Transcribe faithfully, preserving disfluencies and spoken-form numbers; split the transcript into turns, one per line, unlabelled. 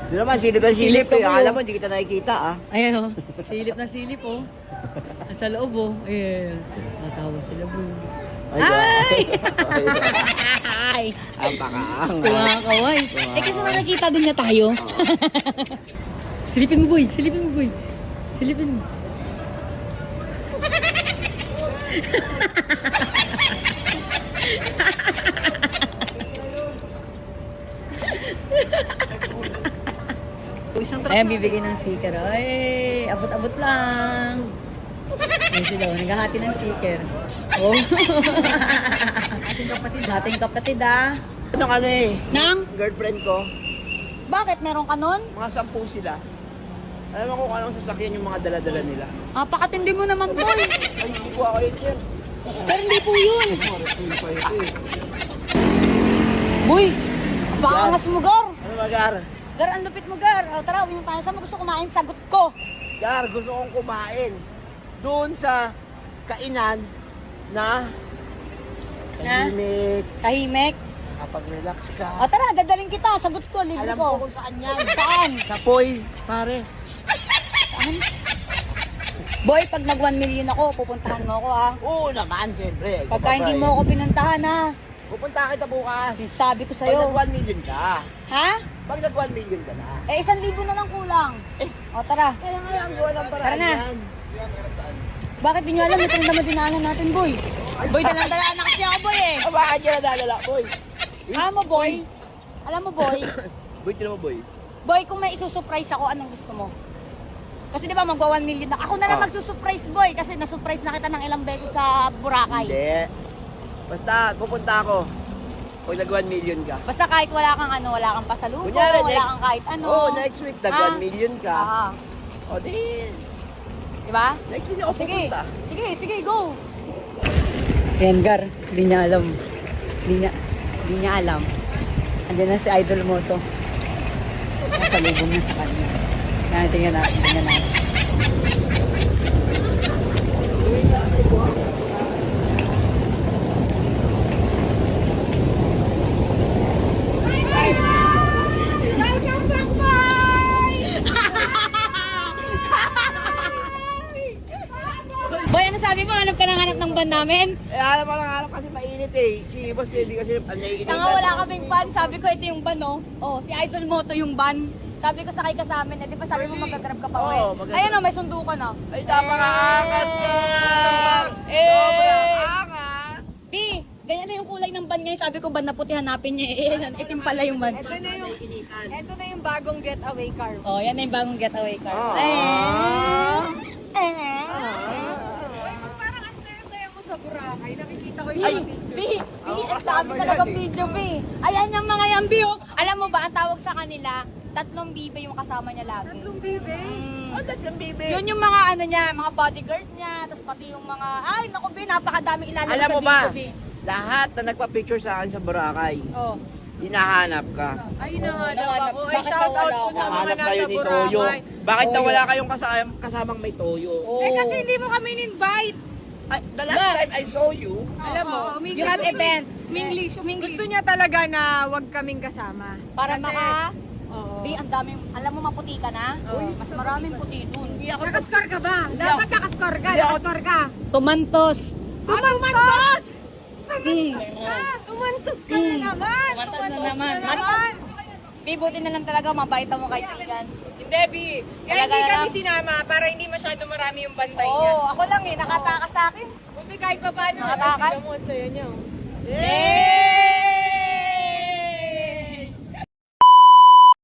Ito naman, silip na silip.
Silip ka
Eh.
po.
Akala mo, hindi kita nakikita ah.
Ayan o, silip na silip o. Nasa loob o. Ayan. Natawa sila bro. Ay! Ay!
Ang pakaang.
Kumakaway. Eh kasi nakakita din niya tayo. Silipin mo boy, silipin mo boy. Silipin mo. Ayan, bibigay ng sticker. Ay, abot-abot lang. Ayan sila, oh, naghahati ng sticker. Oh. Ating kapatid. Ating kapatid ah.
Ano ka na eh?
Nang?
Girlfriend ko,
Bakit? Meron ka nun?
mga sampu sila. Alam mo kung anong sasakyan yung mga dala-dala nila.
Ah, pakatindi mo naman boy.
Ay, hindi ko ako yun, sir.
Pero hindi po yun. Boy, pakangas mo gar.
Ano ba, Gar?
Gar, ang lupit mo gar. O, tara, uwi tayo. Saan mo gusto kumain? Sagot ko.
Gar, gusto kong kumain. Doon sa kainan na
Na?
tahimik,
Tahimik.
kapag-relax
O,
ka.
tara, dadaling kita. Sagot ko, libre
Alam
ko.
ko kung saan yan.
Saan?
Sa Poy, Pares.
Saan? Boy, pag nag one million ako, pupuntahan mo ako ha.
Oo naman, siyempre.
Pagka hindi mo ako pinuntahan ha.
Pupunta kita bukas.
Sabi ko
Pag
sa'yo.
nag one million ka.
Ha?
Pag nag one million ka na.
Eh, isang libo na lang kulang.
Eh.
O, tara.
Kaya nga lang, gawa ng paraan
Tara na.
yan.
Bakit di nyo alam itong naman dinaanan natin, boy? Boy, dalang-dalaan na kasi ako, boy eh.
Ah, bakit yan nadalala, boy?
Alam mo, boy? Alam mo, boy?
Boy, tinan mo, boy.
Boy, kung may isusurprise ako, anong gusto mo? Kasi di ba magwa one million na. Ako na lang
Ah.
magsusurprise, boy. Kasi nasurprise na kita ng ilang beses sa Boracay.
Hindi. Basta, pupunta ako. Pag nag one million ka.
Basta kahit wala kang ano, wala kang pasalubong,
Kunyari,
wala
next-
kang kahit ano.
Oo, next week, nag
Ah.
one million ka.
Ah.
O, di,
Di ba?
next week
O,
ako
sige.
pupunta.
Sige, sige, go. Yan, Gar. Hindi niya alam. Hindi niya, hindi niya alam. Andiyan na si Idol Moto. Nasalubong na sa kanya. Yan, tingnan natin, tingnan natin. Boy, ano sabi mo? Hanap ka ng hanap ng van namin?
Eh, alam mo lang, alam kasi mainit eh. Si Boss Baby kasi ang naiinit.
Tanga, wala kaming van. Sabi ko, ito yung van, oh. Oh, si Idol Moto yung van. Sabi ko, sakay ka sa amin. Eh, di ba sabi mo mag-grab ka pa, uwi?
Oo, mag-grab.
Ayan, oh, may sundo ka na.
Ay, napaka-angas niya!
Eh!
Sobrang angas!
B, ganyan na yung kulay ng van ngayon. Sabi ko, van na puti, hanapin niya. Eh, itim pala yung van.
Ito na yung, ito na yung bagong getaway car.
Oh, yan na yung bagong getaway car.
Ah.
Eh. Eh.
Parang ang saya-saya mo sa Boracay. Nakikita ko
B,
yung
B, B,
Ako
ang
kasama
sabi talaga
yan eh.
video, B. Ayan yung mga yan, B, oh. Alam mo ba, ang tawag sa kanila, tatlong bibe yung kasama niya lagi.
tatlong bebe.
Mm.
Ang dad yung baby.
Yun yung mga ano niya, mga bodyguard niya, tapos pati yung mga, ay, naku, B, napakadaming ilalagay
Alam
sa
mo ba,
video, B.
lahat na nagpa-picture sa akin sa Boracay,
Oh.
hinahanap ka.
Ay, nahanap
Nahanap.
ako. Ay,
Bakit
shout out
nawala
po
ako?
sa mga
Nahanap
nasa
kayo ni Toyo.
Boracay.
Bakit
Toyo.
nawala kayong kasama, kasamang may Toyo?
Oh.
Eh, kasi hindi mo kami in-invite.
Ay, the last
Ba?
time I saw you,
Alam mo,
Oh, you have events.
Minglish. Gusto niya talaga na wag kaming kasama.
Para
Kasi-
maka,
Oo.
B, ang daming, alam mo maputi ka na?
Oo.
Mas maraming puti dun.
hindi ako
Nakaskor ka ba?
Hindi
Dapat
ako-
nakaskor ka.
hindi ako-
Nakaskor ka.
Tumantos.
Tumantos!
Hmm.
Ah, tumantos ka na naman.
Tumantos na naman.
naman.
B, buti na lang talaga, mabait mo kaibigan.
Hindi, B. Kaya
Talaga
hindi
na
kami
lang.
sinama para hindi masyado marami yung bantay
Oo,
niya.
ako lang eh, nakatakas sa akin.
Buti kahit pa paano,
Nakatakas?
tingnan mo ang saya niya. oh.
Yay!